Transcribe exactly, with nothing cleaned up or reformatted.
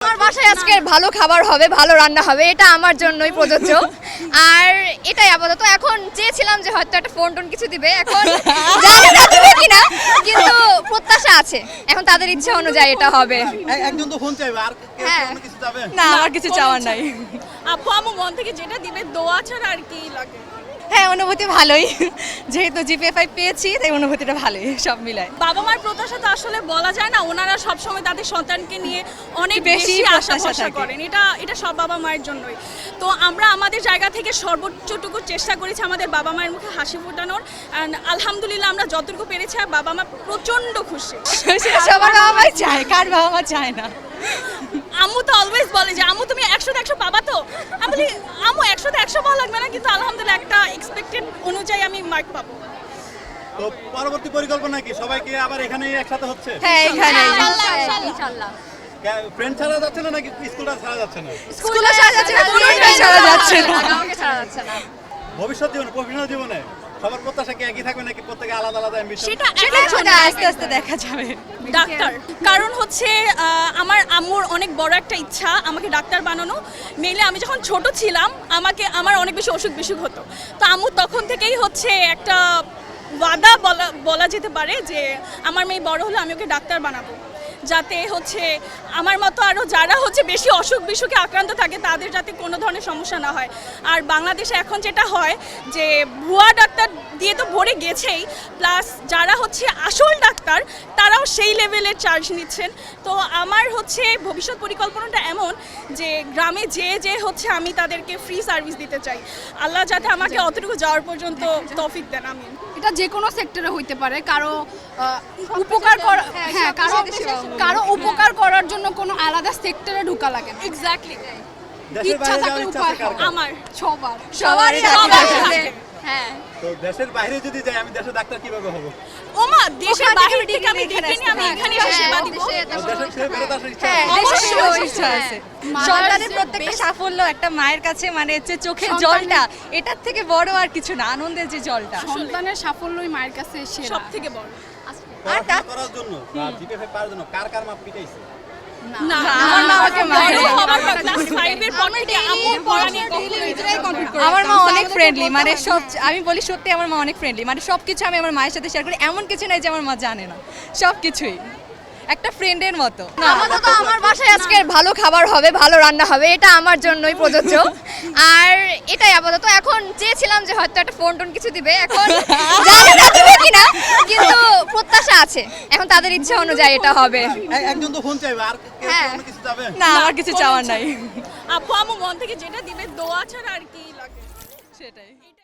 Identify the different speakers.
Speaker 1: আমার বাসায় আজকে ভালো খাবার হবে, ভালো রান্না হবে, এটা আমার জন্যই প্রযোজ্য। আর এটাই আপাতত। এখন চেয়েছিলাম যে হয়তো একটা ফোন টোন কিছু দিবে, এখন জানি না দিবে কিনা, কিন্তু প্রত্যাশা আছে। এখন তাদের ইচ্ছা অনুযায়ী এটা হবে।
Speaker 2: এ- একজন তো ফোন চাইবে, আর কেউ
Speaker 1: হ্যাঁ।
Speaker 2: কোনো কিছু চাবে?
Speaker 3: না আমার কিছু চাওয়ার নাই।
Speaker 4: আপু আমু মন থেকে যেটা দিবে দোয়া ছাড়া আর কি লাগে।
Speaker 3: হ্যাঁ অনুভূতি ভালোই, যেহেতু জিপিএ ফাইভ পেয়েছি তাই অনুভূতিটা ভালোই সব মিলায়।
Speaker 4: বাবা মার প্রত্যাশা তো আসলে বলা যায় না, ওনারা সবসময় তাদের সন্তানকে নিয়ে অনেক
Speaker 3: বেশি
Speaker 4: বেশি আশা
Speaker 3: প্রত্যাশা
Speaker 4: ভরসা
Speaker 3: থাকে।
Speaker 4: করেন। এটা এটা সব বাবা মায়ের জন্যই। তো আমরা আমাদের জায়গা থেকে সর্বোচ্চটুকু চেষ্টা করেছি আমাদের বাবা মায়ের মুখে হাসি ফোটানোর। অ্যান্ড আলহামদুলিল্লাহ আমরা যতটুকু পেরেছি আর বাবা মা প্রচণ্ড খুশি।
Speaker 3: সেটা সবার বাবা মাই চায়, কার বাবা মা চায় না?
Speaker 4: আম্মু তো অলওয়েজ বলে যে আম্মু তুমি একশোতে একশো পাবা তো। আমি বলি আম্মু একশোতে একশো পাওয়া লাগবে না, কিন্তু আলহামদুলিল্লাহ একটা এক্সপেক্টেড অনুযায়ী আমি মার্ক পাবো।
Speaker 2: তো পরবর্তী পরিকল্পনা কি? সবাইকে আবার এখানেই একসাথে হচ্ছে?
Speaker 3: হ্যাঁ এখানে
Speaker 1: ইনশাআল্লাহ।
Speaker 2: ফ্রেন্ড ছাড়া যাচ্ছে না নাকি স্কুলটা ছাড়া যাচ্ছে না?
Speaker 1: স্কুলে ছাড়া যাচ্ছে না,
Speaker 3: কোনোটাই ছাড়া যাচ্ছে না।
Speaker 1: কাউকে ছাড়া যাচ্ছে না।
Speaker 2: ভবিষ্যৎ জীবনে, প্রফেশনাল জীবনে সবার প্রত্যাশা কি একই থাকবে নাকি প্রত্যেকে আলাদা আলাদা অ্যাম্বিশন?
Speaker 4: সেটা
Speaker 3: সেটা
Speaker 4: এখন
Speaker 3: সেটা আস্তে আস্তে দেখা যাবে।
Speaker 4: ডাক্তার, কারণ হচ্ছে আহ, আমার আম্মুর অনেক বড় একটা ইচ্ছা আমাকে ডাক্তার বানানো। মেইনলি আমি যখন ছোট ছিলাম আমাকে আমার অনেক বেশি অসুখ বিসুখ হতো, তো আম্মু তখন থেকেই হচ্ছে একটা ওয়াদা বলা বলা যেতে পারে যে আমার মেয়ে বড় হলে আমি ওকে ডাক্তার বানাবো, যাতে হচ্ছে আমার মতো আরও যারা হচ্ছে বেশি অসুখ বিসুখে আক্রান্ত থাকে তাদের যাতে কোনো ধরনের সমস্যা না হয়। আর বাংলাদেশে এখন যেটা হয় যে ভুয়া ডাক্তার দিয়ে তো ভরে গেছেই, প্লাস যারা হচ্ছে আসল ডাক্তার তারাও সেই লেভেলের চার্জ নিচ্ছেন। তো আমার হচ্ছে ভবিষ্যৎ পরিকল্পনাটা এমন যে গ্রামে যে যে হচ্ছে আমি তাদেরকে ফ্রি সার্ভিস দিতে চাই। আল্লাহ যাতে আমাকে অতটুকু যাওয়ার পর্যন্ত তৌফিক দেন। আমি
Speaker 5: এটা যে কোনো সেক্টরে হইতে পারে, কারো আহ, উপকার করা, হ্যাঁ কারো কারো উপকার করার জন্য কোনো আলাদা সেক্টরে ঢোকা লাগে না।
Speaker 4: এক্স্যাক্টলি
Speaker 2: দেশের
Speaker 5: ইচ্ছা
Speaker 2: বাইরে
Speaker 5: থাকলে
Speaker 2: যাওয়ার ইচ্ছা
Speaker 5: উপায়
Speaker 2: আছে কার কার?
Speaker 4: আমার
Speaker 5: সবার
Speaker 3: সবারই
Speaker 4: সবার
Speaker 3: আছে।
Speaker 4: আছে।
Speaker 1: হ্যাঁ।
Speaker 2: তো দেশের বাইরে যদি যাই আমি দেশের ডাক্তার কিভাবে হব?
Speaker 4: ওমা দেশের
Speaker 3: ওখান থেকে
Speaker 4: বাইরে থেকে আমি
Speaker 3: এখানে
Speaker 4: দেখে নিয়ে আমি
Speaker 3: আসতে
Speaker 4: এখানে
Speaker 3: পারি।
Speaker 4: এসে সেবা
Speaker 1: হ্যাঁ,
Speaker 4: দিব।
Speaker 1: দেশে-
Speaker 2: তো দেশের ছেড়ে ফেরত আসার ইচ্ছা
Speaker 3: হ্যাঁ
Speaker 2: আছে?
Speaker 3: দেশের
Speaker 4: অবশ্যই,
Speaker 3: সেবার ইচ্ছা আছে।
Speaker 5: মায়ের
Speaker 3: সন্তানের
Speaker 5: যে
Speaker 3: প্রত্যেকটা
Speaker 5: best-
Speaker 3: সাফল্য একটা মায়ের কাছে মানে হচ্ছে চোখের
Speaker 5: সন্তানের-
Speaker 3: জলটা, এটার থেকে বড় আর কিছু না, আনন্দের যে জলটা।
Speaker 5: সন্তানের সাফল্যই মায়ের কাছে সেরা।
Speaker 4: সব থেকে বড়
Speaker 2: পড়াশোনা করার জন্য বা জিপিএ পাওয়ার জন্য কার কার মাপ পিটাইছে?
Speaker 5: না,
Speaker 4: না
Speaker 3: আমার মা আমাকে মারে।
Speaker 4: বড় হবার পর ক্লাস ফাইভ এর পর থেকে আম্মু পড়া নিয়ে কখনোই
Speaker 5: নিজেরাই compete করে
Speaker 3: আমার মা
Speaker 5: রাখতাম।
Speaker 3: অনেক
Speaker 5: আমাদের
Speaker 3: ফ্রেন্ডলি,
Speaker 5: বলতে
Speaker 3: মানে
Speaker 5: হয় না।
Speaker 3: সব আমি বলি সত্যি আমার মা অনেক ফ্রেন্ডলি, মানে সব কিছু আমি আমার মায়ের সাথে শেয়ার করি, এমন কিছু নাই যে আমার মা জানে না, সব কিছুই একটা ফ্রেন্ডের মতো।
Speaker 1: আপাতত আমার বাসায় আজকে ভালো খাবার হবে, ভালো রান্না হবে, এটা আমার জন্যই প্রযোজ্য। আর এটাই আপাতত। এখন চেয়েছিলাম যে হয়তো একটা ফোন টোন কিছু দিবে, এখন জানি না দিবে কিনা, কিন্তু প্রত্যাশা আছে। এখন তাদের ইচ্ছা অনুযায়ী এটা হবে।
Speaker 2: এ- একজন তো ফোন চাইবে, আর কেউ
Speaker 1: হ্যাঁ।
Speaker 2: কোনো কিছু চাবে?
Speaker 3: না আমার কিছু
Speaker 4: কোনো
Speaker 3: চাওয়ার
Speaker 4: ইচ্ছা
Speaker 3: নাই।
Speaker 4: আপু আমু মন থেকে যেটা দিবে দোয়া ছাড়া আর কি লাগে।
Speaker 3: সেটাই।